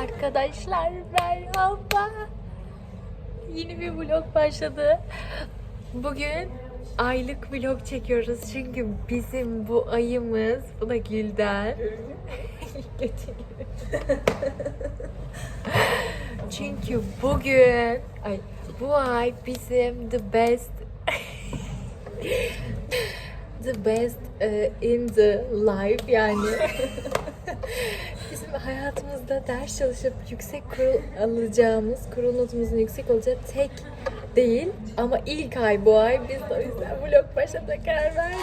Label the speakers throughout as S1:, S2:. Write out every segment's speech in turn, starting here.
S1: Arkadaşlar merhaba. Yeni bir vlog başladı. Bugün aylık vlog çekiyoruz çünkü bizim bu ayımız, bu da Gülden. Çünkü bugün, bu ay bizim the best in the life yani. Bizim hayatımızda ders çalışıp yüksek kurul alacağımız, kurul notumuzun yüksek olacağı tek değil ama ilk ay bu ay. Biz de o yüzden vlog başlamaya karar verdik.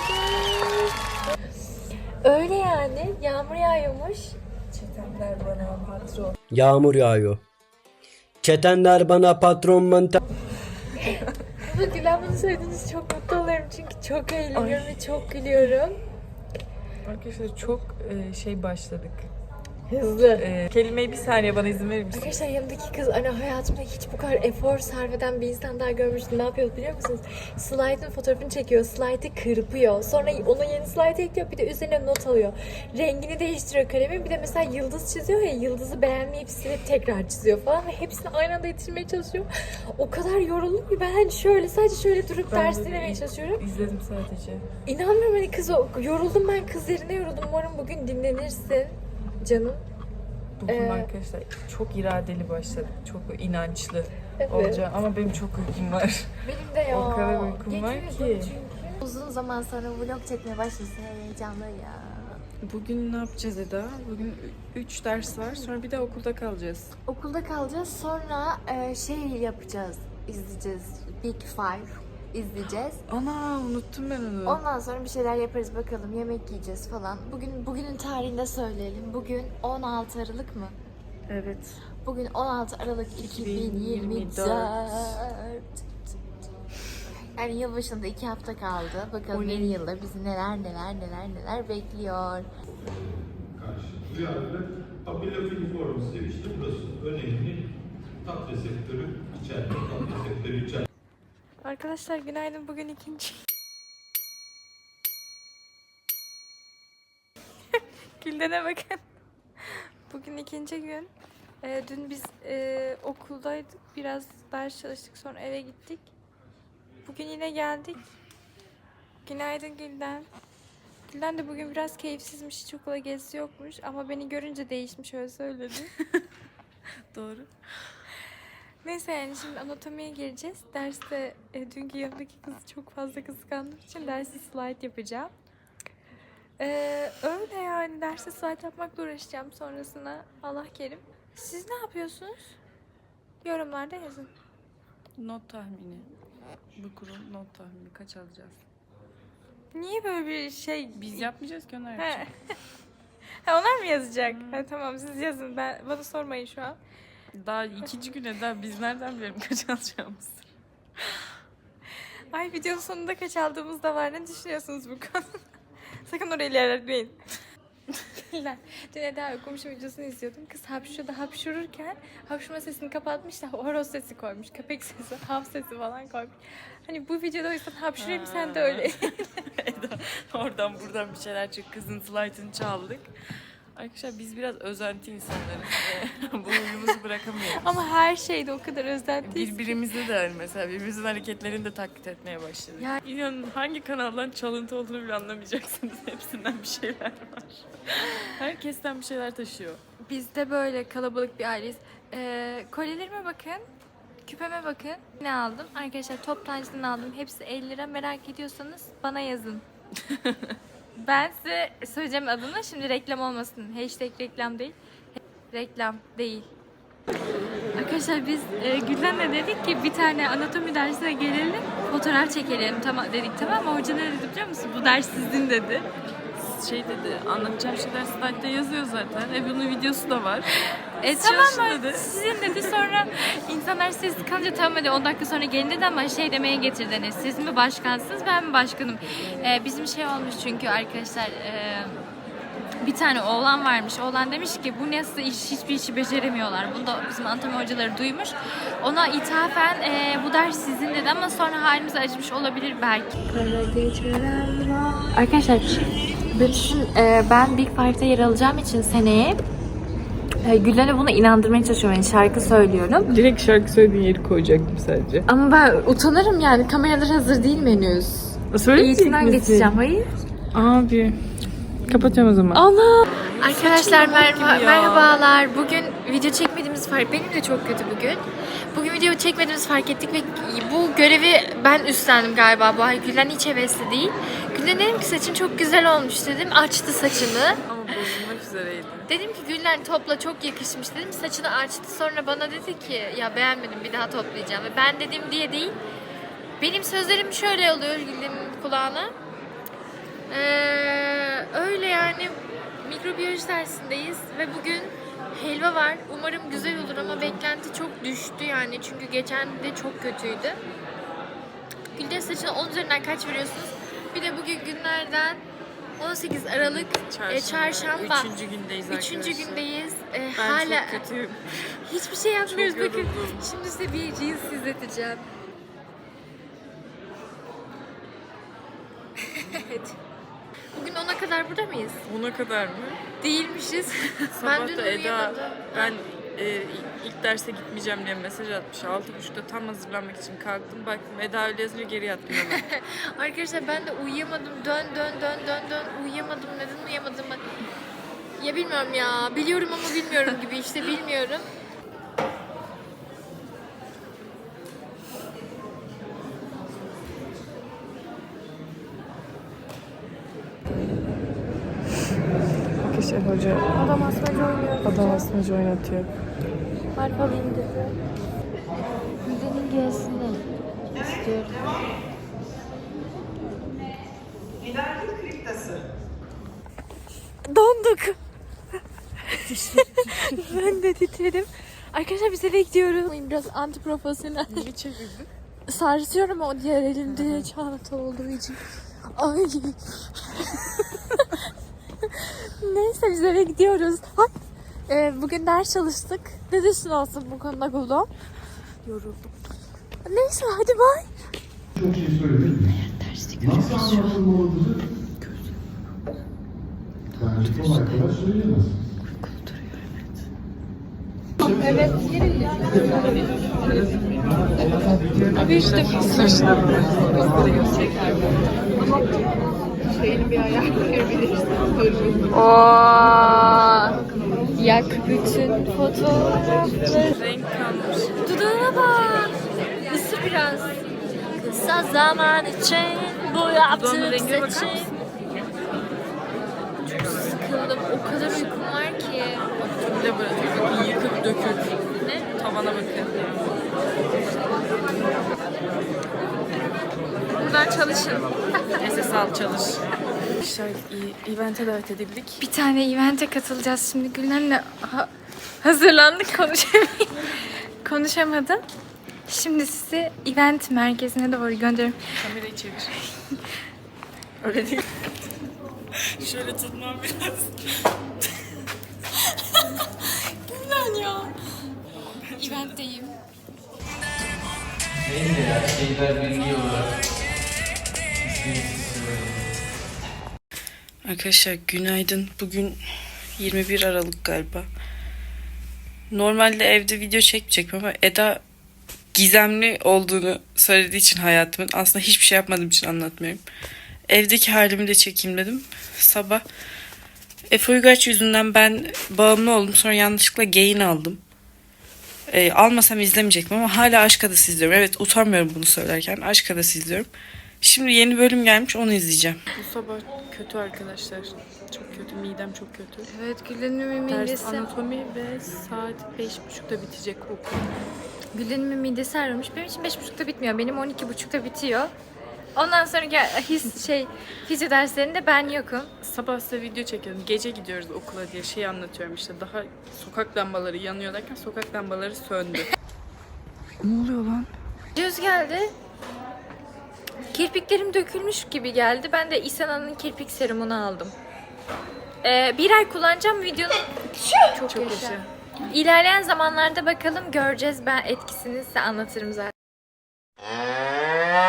S1: Öyle yani, yağmur yağıyormuş.
S2: Çetenler bana patron.
S3: Yağmur yağıyor. Çetenler bana patron mantar.
S1: Ama Gülen bunu söylediğiniz çok mutlu oluyorum çünkü çok eğleniyorum ve çok gülüyorum.
S2: Arkadaşlar çok başladık.
S1: Hızlı.
S2: Kelimeyi bir saniye bana izin verir misin?
S1: Arkadaşlar yanımdaki kız hayatımda hiç bu kadar efor sarf eden bir insan daha görmüştüm. Ne yapıyor biliyor musunuz? Slide'ın fotoğrafını çekiyor. Slide'ı kırpıyor. Sonra ona yeni slide ekliyor. Bir de üzerine not alıyor. Rengini değiştiriyor kalemin. Bir de mesela yıldız çiziyor ya. Yıldızı beğenmeyip silip tekrar çiziyor falan. Ve hepsini aynı anda yitirmeye çalışıyor. O kadar yoruldum ki ben hani sadece şöyle durup ders dinlemeye çalışıyorum.
S2: İzledim sadece.
S1: İnanmıyorum hani kız yoruldum ben kız yerine yoruldum. Umarım bugün dinlenirsin canım.
S2: Bugün arkadaşlar çok iradeli başladık. Çok inançlı
S1: Evet.
S2: olacağım ama benim çok uykum var.
S1: Benim de ya.
S2: O kadar uykum var ki.
S1: Çünkü. Uzun zaman sonra vlog çekmeye başlasın heyecanlı ya.
S2: Bugün ne yapacağız Eda? Bugün 3 ders var. Sonra bir de okulda kalacağız.
S1: Okulda kalacağız sonra yapacağız, izleyeceğiz. Big Five izleyeceğiz.
S2: Ana unuttum ben onu.
S1: Ondan sonra bir şeyler yaparız bakalım, yemek yiyeceğiz falan. Bugünün tarihini de söyleyelim. Bugün 16 Aralık mı?
S2: Evet.
S1: Bugün 16 Aralık 2024. Yani yılbaşında 2 hafta kaldı. Bakalım yeni yılda bizi neler bekliyor.
S4: Karşı duyarlı apelafiliform sevişti. Burası önemli. Tat reseptörü içeride. Tat reseptörü içeride.
S1: Arkadaşlar günaydın. Bugün ikinci. Gülden'e bakın. Bugün ikinci gün. Dün biz okuldaydık. Biraz ders çalıştık. Sonra eve gittik. Bugün yine geldik. Günaydın Gülden. Gülden de bugün biraz keyifsizmiş. Hiç okula gezisi yokmuş. Ama beni görünce değişmiş, öyle söyledi.
S2: Doğru.
S1: Neyse yani şimdi anatomiye gireceğiz. Derste dünkü yanımdaki kızı çok fazla kıskandığım için derste slide yapacağım. Öyle yani derste slide yapmakla uğraşacağım sonrasında. Allah kerim. Siz ne yapıyorsunuz? Yorumlarda yazın.
S2: Not tahmini. Bu kurul not tahmini kaç alacağız?
S1: Niye böyle bir şey?
S2: Biz yapmayacağız ki onlar
S1: He.
S2: yapacak.
S1: Ha, onlar mı yazacak? Ha, tamam siz yazın. Bana sormayın şu an.
S2: Daha ikinci güne daha biz nereden bilelim kaç alacağımızı?
S1: Ay videonun sonunda kaç aldığımız da var. Ne düşünüyorsunuz bu konuda? Sakın oraya ilerletmeyin. Dün Eda okumuşum videosunu izliyordum. Kız hapşururken hapşurma sesini kapatmış da horoz sesi koymuş. Köpek sesi, hav sesi falan koymuş. Hani bu videoda o yüzden hapşurayım sen de öyle.
S2: Eda, oradan buradan bir şeyler çık. Kızın slide'ını çaldık. Arkadaşlar biz biraz özenti insanlarız. Bu huyumuzu bırakamıyoruz.
S1: Ama her şeyde o kadar özentiyiz.
S2: Birbirimizde de hani mesela birbirimizin hareketlerini de taklit etmeye başladık.
S1: Ya-
S2: İnanın hangi kanaldan çalıntı olduğunu bile anlamayacaksınız. Hepsinden bir şeyler var. Herkesten bir şeyler taşıyor.
S1: Biz de böyle kalabalık bir aileyiz. Kolyelerime bakın. Küpeme bakın. Ne aldım? Arkadaşlar toptancıdan aldım. Hepsi 50 lira. Merak ediyorsanız bana yazın. Ben size söyleyeceğim adını. Şimdi reklam olmasın. Hashtag reklam değil. Reklam değil. Arkadaşlar biz Gülden'le dedik ki bir tane anatomi dersine gelelim. Fotoğraf çekelim dedik, tamam mı? Hoca ne dedi biliyor musun? Bu ders sizin dedi.
S2: Şey dedi, anlatacağım şeyler slide'da yazıyor zaten. Bunun videosu da var.
S1: Tamam mı?
S2: dedi.
S1: Sizin dedi, sonra insanlar sessiz kalınca tamam hadi 10 dakika sonra gelin dedi ama şey demeye getirdi. Hani siz mi başkansınız ben mi başkanım? Bizim şey olmuş çünkü arkadaşlar bir tane oğlan varmış. Oğlan demiş ki bu nasıl iş, hiçbir işi beceremiyorlar. Bunu da bizim anatomi hocaları duymuş. Ona ithafen bu ders sizin dedi ama sonra halimize acımış olabilir belki. Arkadaşlar ben Big Five'da yer alacağım için seneye Gülden'e bunu inandırmaya çalışıyorum. Yani şarkı söylüyorum.
S2: Direkt şarkı söylediğin yeri koyacaktım sadece.
S1: Ama ben utanırım yani. Kameralar hazır değil mi henüz? Eğitimden geçeceğim. Hayır.
S2: Abi. Kapatıyorum o zaman.
S1: Allah! Arkadaşlar merhabalar. Bugün video çekmediğimiz fark... Benim de çok kötü bugün. Bugün video çekmediğimizi fark ettik ve bu görevi ben üstlendim galiba. Bu ay Gülen hiç hevesli değil. Gülen dedim ki saçın çok güzel olmuş dedim. Açtı saçını.
S2: Ama bozulmak üzereydi.
S1: Dedim ki Gülen topla çok yakışmış dedim. Saçını açtı sonra bana dedi ki ya beğenmedim bir daha toplayacağım. Ve ben dedim diye değil. Benim sözlerim şöyle oluyor Gülen'in kulağına. Öyle yani mikrobiyoloji dersindeyiz ve bugün helva var. Umarım güzel olur ama beklenti çok düştü yani çünkü geçen de çok kötüydü. Gülden saçına 10 üzerinden kaç veriyorsunuz? Bir de bugün günlerden 18 Aralık Çarşamba.
S2: 3. gündeyiz arkadaşlar.
S1: 3. gündeyiz.
S2: Ben
S1: Hala
S2: çok kötüyüm.
S1: hiçbir şey yapmıyoruz
S2: Çok
S1: bakın.
S2: yoruldum.
S1: Şimdi size bir reels izleteceğim. Evet. Bugün 10'a kadar burada mıyız?
S2: Ona kadar mı?
S1: Değilmişiz.
S2: Sabah
S1: dün
S2: da Eda
S1: uyuyamadım.
S2: ben ilk derse gitmeyeceğim diye mesaj atmış. 6.30'da tam hazırlanmak için kalktım. Baktım Eda öyle yazınca geri yattım hemen.
S1: Arkadaşlar ben de uyuyamadım. Dön. Uyuyamadım. Neden uyuyamadım? Ya bilmiyorum ya. Biliyorum ama bilmiyorum gibi işte bilmiyorum.
S2: Arkadaşlar hoca
S1: Adam asmacı oynuyor.
S2: adam asmacı oynatıyor.
S1: Harf alayım dedi. Güzenin gelsin istiyorum. Donduk. Ben de titredim. Arkadaşlar biz eve gidiyoruz. Biraz anti profesyonel.
S2: Niye çevirdin?
S1: Sarsıyorum o diğer elimde çanta olduğu için. Ay. Neyse biz eve gidiyoruz. Bugün ders çalıştık. Ne düşün olsun bu konuda Guldo? Yoruldum. Neyse hadi bay.
S4: Çok şey söyledim. Nasıl anlatılmalıdır? Bence kolay kolay söyleyemez.
S1: Evet. Abi işte şeyini bir ayar koyabilirsin. Yak bütün fotoğrafları.
S2: Renk kalmış.
S1: Dudağına bak. Isır biraz. Kısa zaman için bu
S2: Dudağının
S1: yaptığım
S2: rengine bakar
S1: seçim.
S2: mısın?
S1: Çok sıkıldım. O kadar uykum var ki.
S2: Bir de böyle yıkıp döküp
S1: Ne?
S2: tavana bakın.
S1: Buradan çalışın.
S2: SS al çalış. Arkadaşlar event'e davet edildik.
S1: Bir tane event'e katılacağız şimdi. Güllen'le hazırlandık konuşamadım. Şimdi sizi event merkezine doğru gönderiyorum.
S2: Kamerayı çevir. Öyle değil. Şöyle tutmam biraz.
S1: Güllen ya. Event'teyim.
S5: Neyse ya şeyler bilgi olarak
S2: Arkadaşlar günaydın. Bugün 21 Aralık galiba. Normalde evde video çekmeyecektim ama Eda gizemli olduğunu söylediği için hayatımın aslında hiçbir şey yapmadığım için anlatmıyorum. Evdeki halimi de çekeyim dedim. Sabah Efe Uygaç yüzünden ben bağımlı oldum. Sonra yanlışlıkla Gain aldım. Almasam izlemeyecektim ama hala Aşk Adası izliyorum. Evet utanmıyorum bunu söylerken. Aşk Adası izliyorum. Şimdi yeni bölüm gelmiş onu izleyeceğim. Bu sabah kötü arkadaşlar. Çok kötü. Midem çok kötü.
S1: Evet Güllen'imin
S2: Ders
S1: midesi.
S2: anatomi ve saat 5.30'da bitecek okul.
S1: Güllen'imin midesi ağrımış. Benim için 5.30'da bitmiyor. Benim 12.30'da bitiyor. Ondan sonra fizyo derslerinde ben yokum.
S2: Sabah size video çekiyorum. Gece gidiyoruz okula diye şey anlatıyorum işte. Daha sokak lambaları yanıyor derken sokak lambaları söndü. Ne oluyor lan?
S1: Düz geldi. Kirpiklerim dökülmüş gibi geldi. Ben de İsana'nın kirpik serumunu aldım. Bir ay kullanacağım videonun. Çok yaşa. İlerleyen zamanlarda bakalım göreceğiz. Ben etkisini size anlatırım zaten.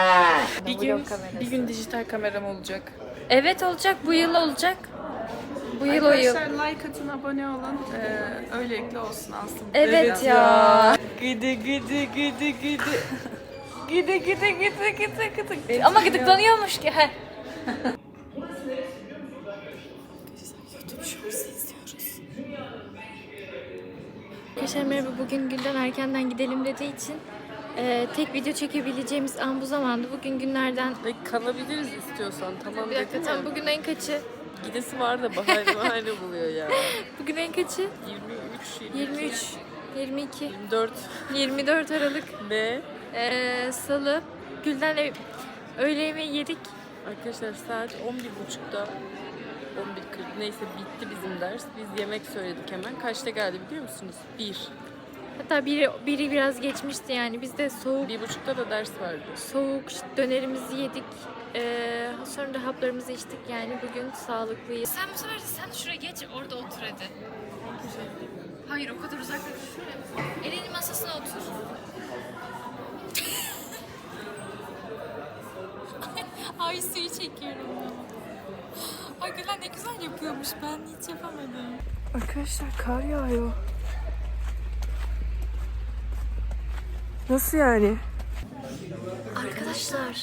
S2: Bir gün dijital kameram olacak.
S1: Evet olacak. Bu yıl olacak. Bu yıl o yıl.
S6: Arkadaşlar like atın, abone olun. Öylelikle olsun aslında.
S1: Evet ya.
S2: Gidi gidi gidi gidi.
S1: Gidi gidi gidi gidi gidi. Ama gıdıklanıyormuş ki. Heh. Arkadaşlar merhaba. Bugün günden erkenden gidelim dediği için tek video çekebileceğimiz an bu zamandı. Bugün günlerden...
S6: Kalabiliriz istiyorsan. Tamam
S1: Bir dakika
S6: dedim
S1: tam
S6: ya.
S1: bugün en kaçı?
S6: Gidesi var da bahane buluyor ya.
S1: Bugün en kaçı? 23, 22,
S6: 24
S1: 24 Aralık
S6: ve
S1: Salı. Gülden öğle yemeği yedik.
S6: arkadaşlar saat 11.30'da 11.40 neyse bitti bizim ders. Biz yemek söyledik hemen. Kaçta geldi biliyor musunuz? 1.
S1: Hatta biri biraz geçmişti yani. Biz de soğuk
S6: 1.30'da da ders vardı.
S1: dönerimizi yedik. Sonra da haplarımızı içtik yani bugün sağlıklıyız. Sen bu sefer de sen şuraya geç orada otur hadi. Hayır o kadar uzak değil. Şuraya. Elinin masasına otur. Ay suyu çekiyorum ya. Ay Gülen ne güzel yapıyormuş, ben hiç yapamadım.
S6: Arkadaşlar kar yağıyor. Nasıl yani?
S1: Arkadaşlar.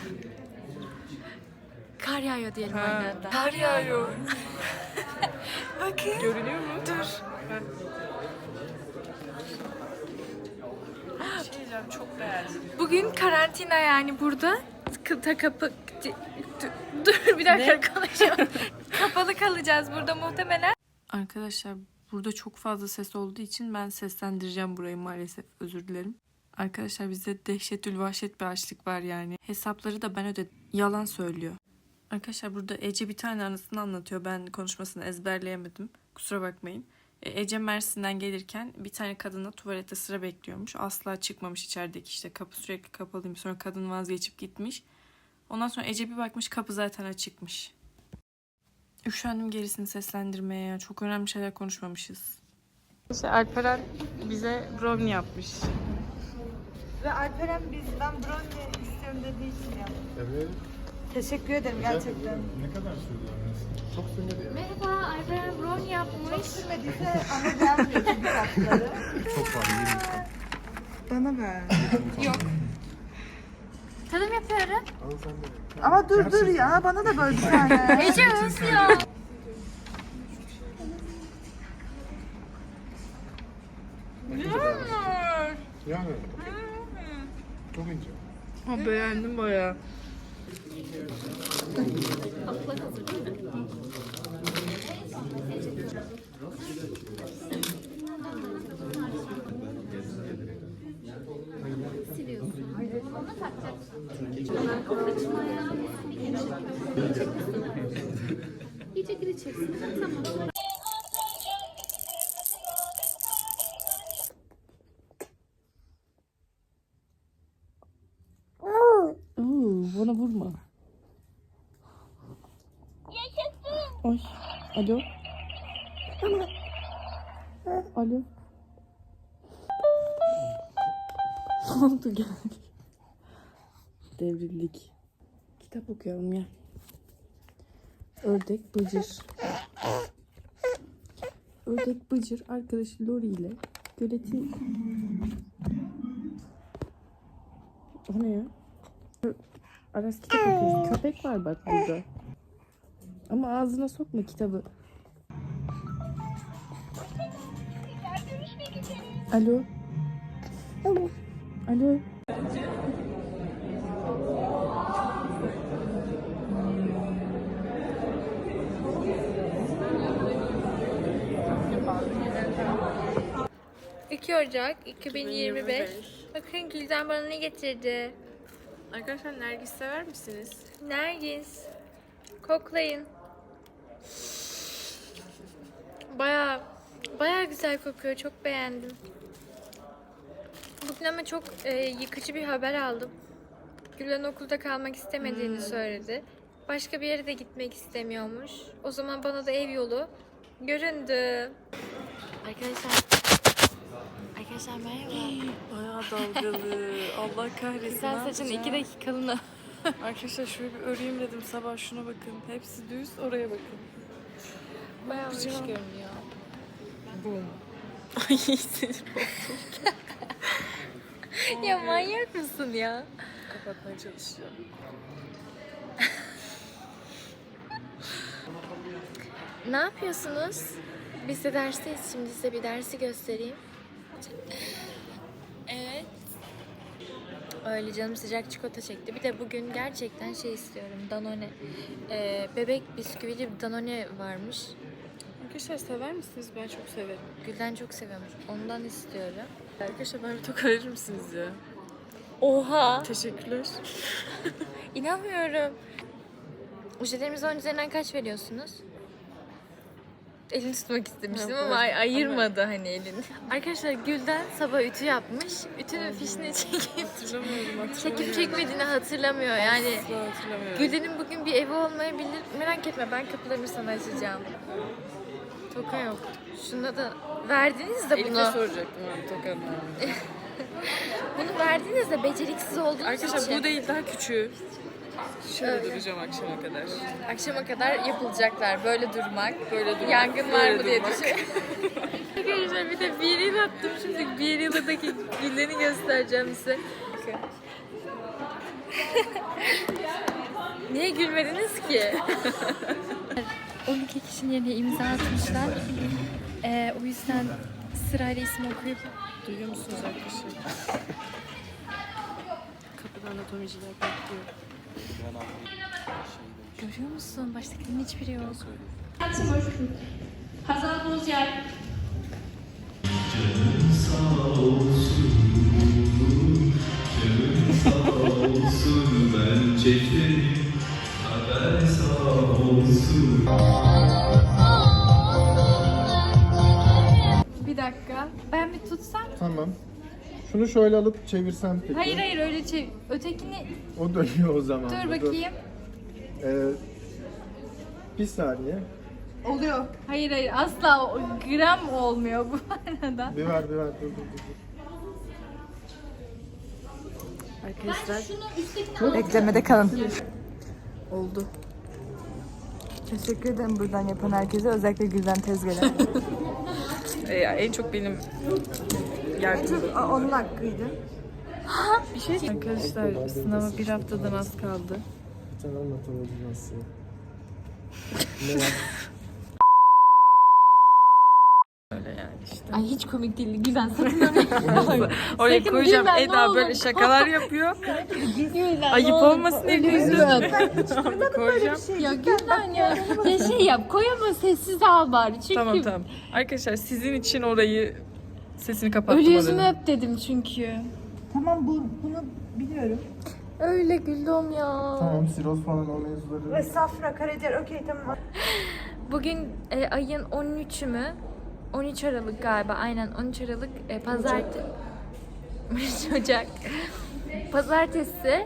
S1: Kar yağıyor diyelim aynı anda.
S6: Kar yağıyor.
S1: Bakın.
S6: Görünüyor mu?
S1: Dur.
S6: Bir şey diyeceğim, çok beğendim.
S1: Bugün karantina yani burada. Dur bir dakika konuşalım. Kapalı kalacağız burada muhtemelen.
S2: Arkadaşlar burada çok fazla ses olduğu için ben seslendireceğim burayı maalesef, özür dilerim. Arkadaşlar bizde dehşetül vahşet bir açlık var yani. Hesapları da ben ödedim. Yalan söylüyor. Arkadaşlar burada Ece bir tane anısını anlatıyor. Ben konuşmasını ezberleyemedim. Kusura bakmayın. Ece Mersin'den gelirken bir tane kadına tuvalete sıra bekliyormuş. Asla çıkmamış içerideki, işte kapı sürekli kapalıymış. Sonra kadın vazgeçip gitmiş. Ondan sonra Ece bir bakmış kapı zaten açıkmış. Üşendim gerisini seslendirmeye ya. Çok önemli şeyler konuşmamışız. İşte Alperen bize brownie yapmış.
S7: Ve Alperen ben brownie istiyorum dediği için yaptım.
S4: Evet.
S7: Teşekkür ederim gerçekten.
S4: Ne kadar sürdü annesi? Çok sürmedi ya.
S1: Merhaba, Alperen brownie yapmış.
S7: Sürmediyse ama gelmiyor çünkü tatları.
S4: Çok var.
S7: Bana ver.
S1: Tadım yapıyorum.
S4: Al sen de.
S7: Ama dur ya bana da böyle bir tane.
S1: Ece öf ya.
S4: Yani. Çok ince.
S6: Ha, beğendim bayağı.
S2: Bana vurma. Ay, alo. Alo. Ne oldu gel. Devrildik. Kitap okuyorum ya. Ördek Bıcır. Ördek Bıcır arkadaşı Lori ile göleti... O ne ya? Aras kitap okuyoruz. Köpek var bak burada. Ama ağzına sokma kitabı. Alo. Alo.
S1: Ocak 2025. Bakın Gülden bana ne getirdi.
S6: Arkadaşlar Nergis sever misiniz?
S1: Nergis. Koklayın. Baya güzel kokuyor. Çok beğendim. Bugün ama çok yıkıcı bir haber aldım. Gülen okulda kalmak istemediğini söyledi. Başka bir yere de gitmek istemiyormuş. O zaman bana da ev yolu göründü. Arkadaşlar merhaba.
S6: Bayağı dalgalı. Allah kahretsin.
S1: Güzel
S6: ne
S1: saçın
S6: yapacağım?
S1: 2 dakikalığına.
S6: Arkadaşlar şöyle bir öreyim dedim sabah, şuna bakın. Hepsi düz, oraya bakın.
S1: Bayağı hoş görünüyor.
S6: Boom. Ay sinir oldum.
S1: Ya manyak mısın ya?
S6: Kapatmaya çalışıyorum.
S1: Ne yapıyorsunuz? Biz de dersteyiz. Şimdi size bir dersi göstereyim. Evet. Öyle canım sıcak çikolata çekti. Bir de bugün gerçekten şey istiyorum. Danone. Bebek bisküvili bir Danone varmış.
S6: Arkadaşlar sever misiniz? Ben çok severim.
S1: Gülden çok seviyormuş. Ondan istiyorum.
S6: Arkadaşlar ben bir toka verir misiniz ya?
S1: Oha!
S6: Teşekkürler.
S1: İnanmıyorum. Ojelerimizin 10 üzerinden kaç veriyorsunuz? Elini tutmak istemiştim
S6: Ha,
S1: ama
S6: evet.
S1: ayırmadı hani elini. Arkadaşlar Gülden sabah ütü yapmış. Ütünün fişini çekip çekmediğini hatırlamıyor. Yani
S6: Hatırlamıyorum.
S1: Gülden'in bugün bir evi olmayabilir. Merak etme ben kapılarını sana açacağım. Toka yok. Şuna da verdiniz de
S6: Elif'e
S1: bunu.
S6: soracaktım abi tokanın.
S1: Bunu verdiniz de beceriksiz olduğunuz
S6: Arkadaşlar
S1: için.
S6: bu değil daha küçüğü. Şöyle duracağım akşama kadar.
S1: Akşama kadar yapılacaklar. Böyle durmak.
S6: Böyle durmak.
S1: Yangın var
S6: böyle
S1: mı diye
S6: durmak.
S1: düşün. Arkadaşlar bir de bir yıl attım şimdi. Bir yıldaki Gülden'i göstereceğim size. Niye gülmediniz ki? 12 kişinin yerine imza atmışlar. O yüzden sırayla isim okuyup
S6: Duyuyor musunuz arkadaşlar? Kapıda anatomiciler bekliyor.
S1: görüyor musun? Baştakilerin hiçbiri yok.
S8: Timur, Hazal Bozyer,
S5: Ben çekerim, haber sağ olsun.
S1: Bir dakika. Ben bir tutsam.
S4: Tamam. Şunu şöyle alıp çevirsen peki.
S1: Hayır öyle ötekini
S4: O dönüyor o zaman.
S1: dur bakayım.
S4: Bir saniye.
S1: Oluyor. Hayır asla gram olmuyor bu arada.
S4: Bir ver. Dur.
S6: Arkadaşlar
S7: Beklemede kalın.
S6: oldu.
S7: Teşekkür ederim buradan yapan herkese. Özellikle Gülden Tezgah'a.
S6: En çok benim yardımcım.
S7: Onun hakkıydı.
S6: Bir şey arkadaşlar sınava bir haftadan az kaldı.
S4: Bir tane anlatamadım nasıl.
S6: Öyle yani işte.
S1: Ay hiç komik değil. Gülen sakın
S6: Oraya
S1: Sakın
S6: koyacağım
S1: gülme, ne
S6: Eda
S1: olur.
S6: böyle şakalar yapıyor. Ayıp olmasın diye koyacağım. Koyacağım.
S1: ya Gülen ya. Ya şey yap koy ama sessiz al bari. Çünkü
S6: Tamam. Arkadaşlar sizin için orayı sesini kapattım.
S1: ölü yüzümü
S6: oranın.
S1: öp dedim çünkü.
S7: Tamam bunu biliyorum.
S1: Öyle güldüm ya.
S4: Tamam siroz falan o mevzuları.
S7: Ve safra, karaciğer okey tamam.
S1: Bugün ayın 13'ü mü? 13 Aralık galiba. Aynen 13 Aralık pazartesi. 13 Ocak. Pazartesi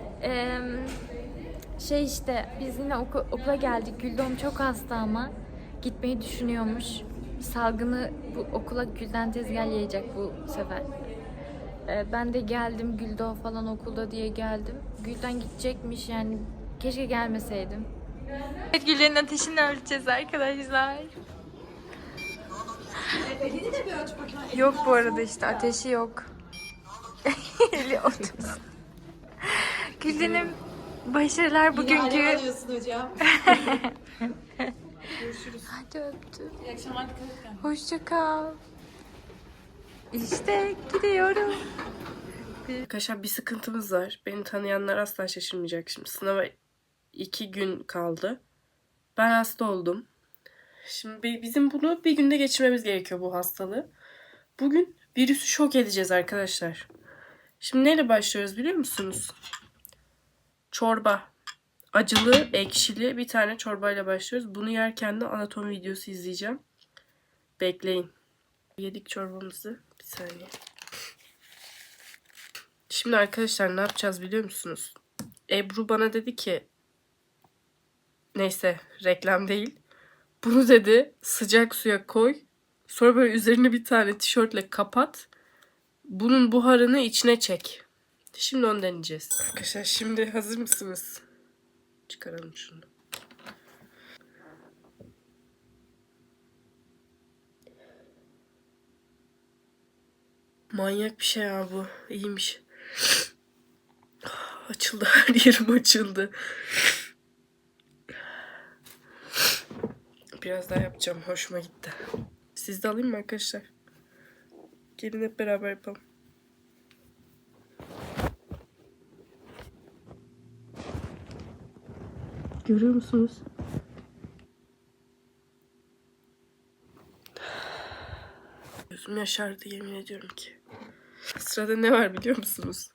S1: şey işte biz yine okula geldik. Güldom çok hasta ama gitmeyi düşünüyormuş. Salgını bu okula Gülden Tezgah yayacak bu sefer. Ben de geldim Güldo falan okulda diye geldim. Gülden gidecekmiş yani keşke gelmeseydim. Evet Gülden'in ateşini ölçeceğiz arkadaşlar. Yok bu arada işte ateşi yok. Eli otursun. Gülden'im başarılar bugünkü.
S7: hocam.
S1: Hadi öptüm. İyi akşamlar dikkat et. Hoşça kal. İşte gidiyorum.
S2: Arkadaşlar bir sıkıntımız var. Beni tanıyanlar asla şaşırmayacak. Şimdi sınava 2 gün kaldı. Ben hasta oldum. Şimdi bizim bunu bir günde geçirmemiz gerekiyor bu hastalığı. Bugün virüsü şok edeceğiz arkadaşlar. Şimdi neyle başlıyoruz biliyor musunuz? Çorba. Acılı, ekşili bir tane çorbayla başlıyoruz. Bunu yerken de anatomi videosu izleyeceğim. Bekleyin. Yedik çorbamızı. Bir saniye. Şimdi arkadaşlar ne yapacağız biliyor musunuz? Ebru bana dedi ki neyse reklam değil. Bunu dedi sıcak suya koy. Sonra böyle üzerine bir tane tişörtle kapat. Bunun buharını içine çek. Şimdi onu deneyeceğiz. Arkadaşlar şimdi hazır mısınız? Çıkaralım şunu.
S6: Manyak bir şey ya bu. İyiymiş. Açıldı, her yerim açıldı. Biraz daha yapacağım. Hoşuma gitti. Siz de alayım mı arkadaşlar? Gelin hep beraber yapalım. Görüyor musunuz? Gözüm yaşardı yemin ediyorum ki. Sırada ne var biliyor musunuz?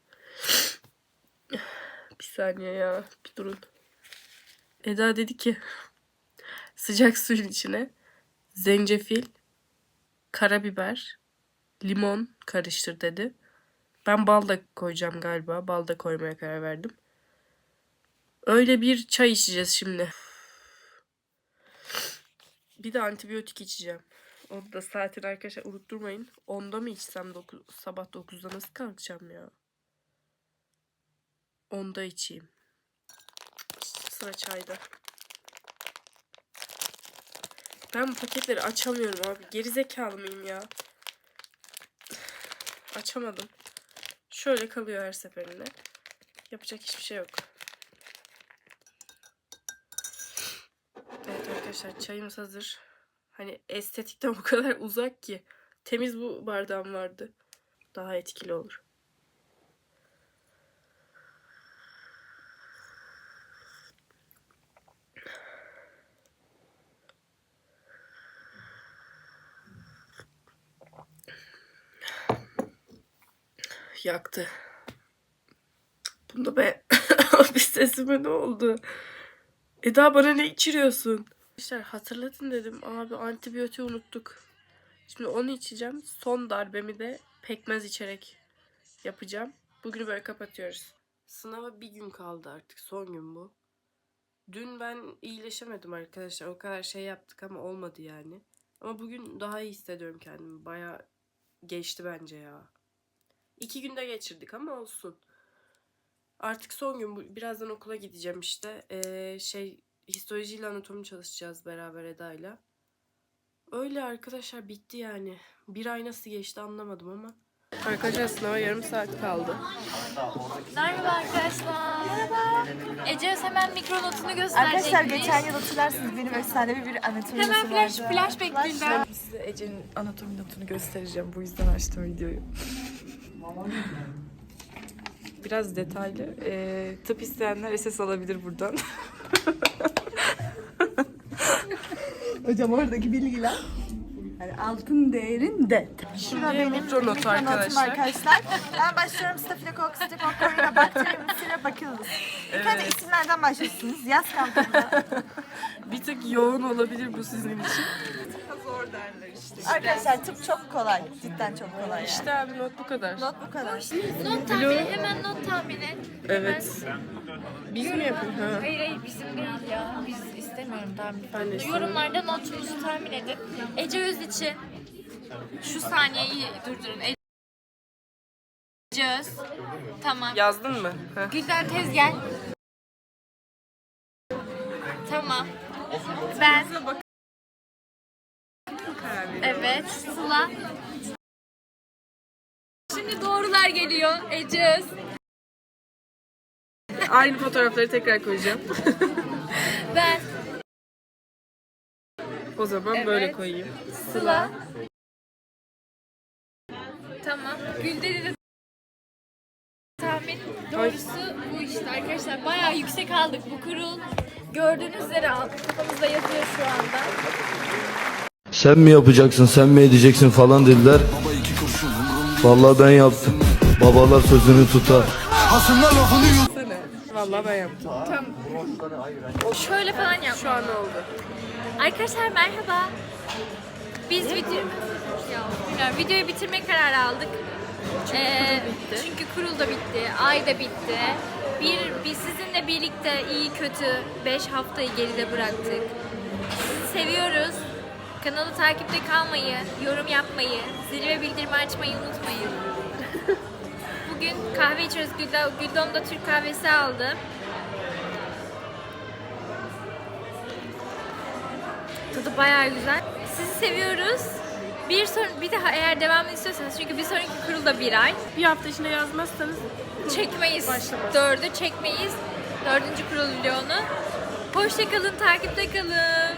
S6: Bir saniye ya. Bir durun. Eda dedi ki sıcak suyun içine zencefil, karabiber, limon karıştır dedi. Ben bal da koyacağım galiba. Bal da koymaya karar verdim. Öyle bir çay içeceğiz şimdi. Bir de antibiyotik içeceğim. Onu da saatini arkadaşlar unutturmayın. 10'da mı içsem sabah 9'da nasıl kalkacağım ya? 10'da içeyim. Sıra çayda. Ben bu paketleri açamıyorum abi. Gerizekalı mıyım ya? Açamadım. Şöyle kalıyor her seferinde. Yapacak hiçbir şey yok. Evet arkadaşlar çayımız hazır. Hani estetikten o kadar uzak ki. Temiz bu bardağım vardı. Daha etkili olur. Yaktı. Bunda be bir sesime ne oldu? Eda bana ne içiriyorsun? Arkadaşlar hatırlatın dedim. Abi antibiyotiği unuttuk. Şimdi onu içeceğim. Son darbemi de pekmez içerek yapacağım. Bugünü böyle kapatıyoruz. Sınava bir gün kaldı artık. Son gün bu. Dün ben iyileşemedim arkadaşlar. O kadar şey yaptık ama olmadı yani. Ama bugün daha iyi hissediyorum kendimi. Bayağı geçti bence ya. 2 günde geçirdik ama olsun. Artık son gün. Birazdan okula gideceğim işte. Histolojiyle anatomi çalışacağız beraber Eda'yla. Öyle arkadaşlar bitti yani. Bir ay nasıl geçti anlamadım ama. Arkadaşlar sınava yarım saat kaldı.
S1: Merhaba arkadaşlar. Merhaba. Ece hemen mikronotunu gösterecek.
S7: Arkadaşlar geçen yıl hatırlarsınız benim efsanevi bir anatomi
S1: Hemen
S7: notu vardı.
S1: flash bekleyin.
S6: Size Ece'nin anatomi notunu göstereceğim. Bu yüzden açtım videoyu. Biraz detaylı. Tıp isteyenler SS alabilir buradan.
S7: Hocam oradaki bilgiler yani altın değerinde. Şurada benim
S6: mikronotu
S7: mikronotum arkadaşlar. Ben başlıyorum. Staphylococcus, Streptococcus, Bacterium, Bacillus. İlk önce isimlerden başlıyorsunuz. Yaz kampında.
S6: Bir tık yoğun olabilir bu sizin için.
S7: Arkadaşlar tıp çok kolay. Cidden çok kolay. Yani.
S6: İşte abi not bu kadar.
S7: Not bu kadar.
S1: Not tahmini, hemen not tahmini.
S6: Evet. Biz mi yapıyoruz? Ha.
S1: Hayır bizim değil ya. Biz istemiyorum tahmin.
S6: Ben de istemiyorum.
S1: Yorumlarda notunuzu tahmin edin. Ece Öz için şu saniyeyi durdurun. Ece Öz. Tamam.
S6: Yazdın mı? Ha.
S1: Gülden tez gel. Tamam. Ben. Evet. Sıla. Şimdi doğrular geliyor. Ece Öz.
S6: Aynı fotoğrafları tekrar koyacağım.
S1: Ben.
S6: O zaman
S1: Evet.
S6: böyle koyayım.
S1: Sıla. Tamam. Gülden'i de tahmin doğrusu bu işte arkadaşlar. Bayağı yüksek aldık bu kurul. Gördüğünüz üzere kafamızda yazıyor şu anda.
S9: Sen mi yapacaksın, sen mi edeceksin falan dediler. Vallahi ben yaptım. Babalar sözünü tutar.
S6: Vallahi ben yaptım.
S1: Şöyle falan yap.
S6: Şu an oldu.
S1: Arkadaşlar merhaba. Biz videoyu bitirme kararı aldık. Çünkü kurul da bitti, ay da bitti. Biz sizinle birlikte iyi kötü 5 haftayı geride bıraktık. Sizi seviyoruz. Kanalı takipte kalmayı, yorum yapmayı, zil ve bildirimi açmayı unutmayın. Bugün kahve içiyoruz. Güldom da Türk kahvesi aldı. Tadı bayağı güzel. Sizi seviyoruz. Bir daha eğer devamını istiyorsanız, çünkü bir sonraki kurul da 1 ay.
S6: Bir hafta içinde yazmazsanız
S1: Çekmeyiz.
S6: Başlamaz.
S1: 4'ü çekmeyiz. 4. kurul vlogunu. Hoşça kalın, takipte kalın.